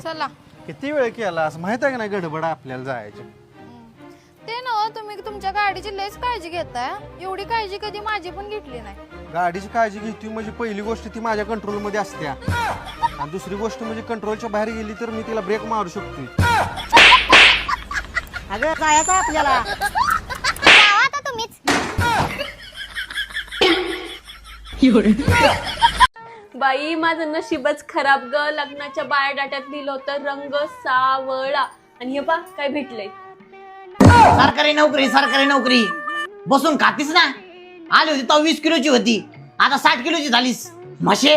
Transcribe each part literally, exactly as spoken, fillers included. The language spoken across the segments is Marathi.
चला. किती वेळ केला असं माहित आहे का नाही गडबड आपल्याला जायचं. ते ना तुम्ही तुमच्या गाडीची लयच काळजी घेताय. एवढी काळजी कधी माझी पण घेतली नाही. गाडीची काळजी घेतोय म्हणजे पहिली गोष्ट ती माझ्या कंट्रोल मध्ये असते आणि दुसरी गोष्ट म्हणजे कंट्रोलच्या बाहेर गेली तर मी तिला ब्रेक मारू शकतोय. अगं जायचं आपल्याला. आता तुम्हीच. बाई माझं नशीबच खराब ग. लग्नाच्या बायोडाट्यात लिहिलं होतं रंग सावळा आणि हे पा काय भेटलंय. सरकारी नोकरी सरकारी नोकरी बसून खातीस ना. आली होती तो वीस किलोची होती, आता साठ किलोची झालीस. म्हशे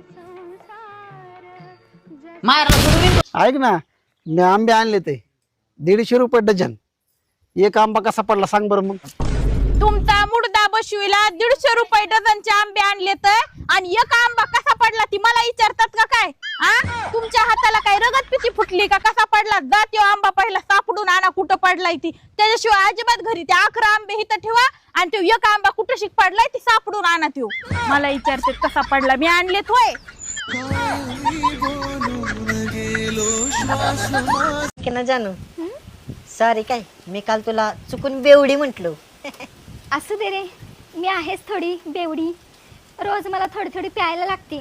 मायरला सोडून. ऐक ना, मी आंबे आणले ते दीडशे रुपये डझन. एक आंबा कसा पडला सांग बरं मग. तुमचा मुडदा बशिवला दीडशे रुपये डझनचे आंबे आणले तर आणि एक आंबा कसा पडला ती मला विचारतात का काय? आ तुमच्या हाताला काय रगत पिती फुटली का? कसा पडला? जा त्यो आंबा पहिला सापडून आणा कुठं पडलाय ती. त्याच्याशिवाय अजिबात घरी ते अकरा आंबे इथं ठेवा आणि तो एक आंबा कुठं शिक पडलाय ती सापडून आणा. त्यो मला विचारतात कसा पडला. मी आणलेत होय. ना जानू सॉरी काय मी काल तुला चुकून बेवडी म्हंटलो. असू दे रे, मी आहेच थोडी बेवडी. रोज मला थोडी थोडी प्यायला लागते.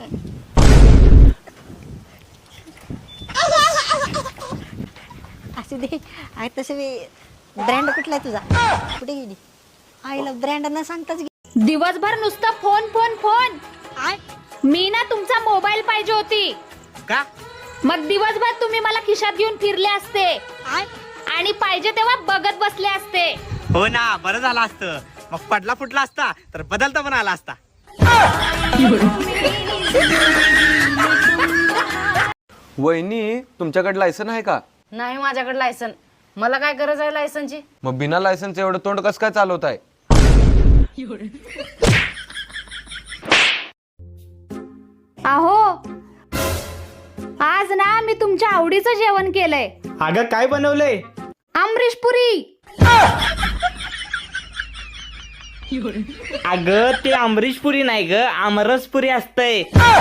असू दे. आहे तसे ब्रँड कुठला आहे तुझा? कुठे गेली आईला ब्रँड न सांगताच. दिवसभर नुसतं फोन फोन फोन. मी ना तुमचा मोबाईल पाहिजे होती का? मग दिवसभर तुम्ही मला खिशात घेऊन फिरले असते आणि पाहिजे तेव्हा बघत बसले असते. हो ना, बरं झालं असतं. मग पडला फुटला असता तर बदलता पण आला असता. वहिनी तुमच्याकडे लायसन आहे का? नाही माझ्याकडे लायसन. मला काय गरज आहे लायसनची? मग बिना लायसनचं एवढं तोंड कसं काय चालवत आहे? अहो आज ना मी तुमच्या आवडीचं जेवण केलंय. अगं काय बनवलंय? अमरीश पुरी. अगं ते अमरीशपुरी नाही ग, आमरसपुरी असतंय.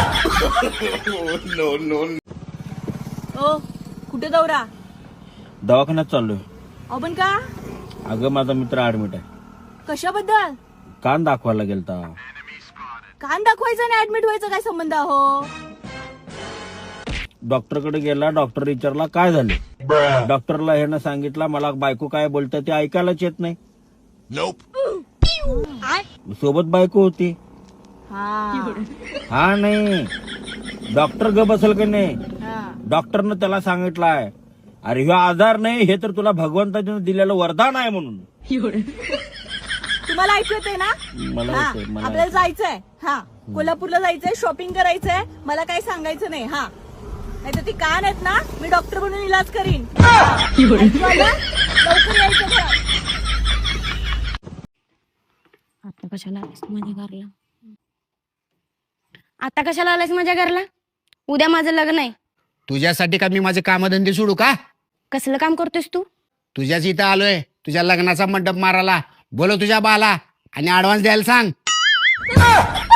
ओ कुठे दौरा? दवाखान्यात चाललोय. आपण का? अगं माझा मित्र ऍडमिट आहे. कशाबद्दल? कान दाखवायला गेलता. कान दाखवायचं आणि ऍडमिट व्हायचं काय संबंध? हो डॉक्टरकडे गेला. डॉक्टर विचारला काय झाले. डॉक्टरला ह्यानं सांगितलं मला बायको काय बोलतं ते ऐकायलाच येत नाही. सोबत बायको होती. हा नाही डॉक्टर ग बसल का नाही. डॉक्टरनं त्याला सांगितलंय अरे ह्यो आजार नाही, हे तर तुला भगवंताने दिलेलं वरदान आहे म्हणून. तुम्हाला ऐकू येते ना? मला हा, येतंय, मला आपल्याला जायचंय. हा कोल्हापूरला जायचंय, शॉपिंग करायचंय. मला काही सांगायचं नाही. हा नाही तर ती कान आहेत ना, मी डॉक्टर बनून इलाज करीन. ऐकू आलं? लवकर यायचं घरात. आता कशाला आलास माझ्या घरला? आता कशाला आलास माझ्या घरला? उद्या माझं लग्न आहे. तुझ्यासाठी का मी माझे कामधंदे सोडू का? कसलं काम करतोस तू? तुझ्याच इथं आलोय तुझ्या लग्नाचा मंडप मारायला. बोलो तुझ्या बाला आणि ऍडव्हान्स द्यायला सांग.